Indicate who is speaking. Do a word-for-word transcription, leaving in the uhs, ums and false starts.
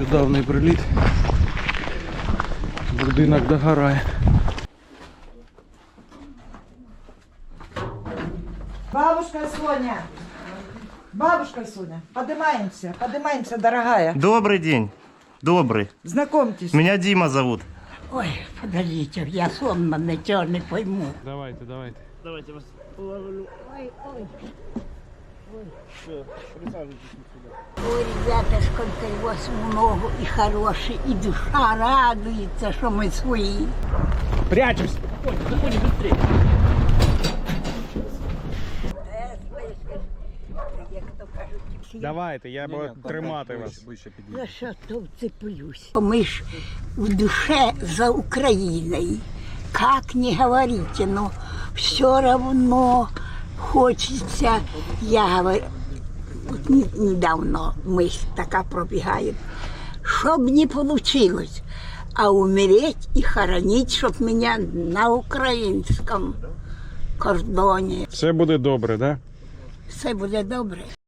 Speaker 1: Нещодавний приліт. Будинок догорає.
Speaker 2: Бабушка Соня! Бабушка Соня, поднимаемся, поднимаемся, дорогая.
Speaker 3: Добрый день. Добрый.
Speaker 2: Знакомьтесь.
Speaker 3: Меня Дима зовут.
Speaker 4: Ой, подождите, я сонно ничего не пойму.
Speaker 1: Давайте, давайте.
Speaker 3: Давайте вас.
Speaker 4: Ой, ой. Ой, ребята, сколько у вас много и хороший, и душа радуется, что мы свои.
Speaker 1: Прячусь!
Speaker 3: Ой, заходи быстрее.
Speaker 1: Давайте, я буду тримати вас.
Speaker 4: За що то вцеплюсь? Ми ж в душе за Украиной. Как не говорите, но все равно хочется, я говорю, вот не- недавно мысль такая пробегает, чтоб не получилось, а умереть и хоронить, чтоб меня на украинском кордоне.
Speaker 1: Все буде добре, да?
Speaker 4: Все буде добре.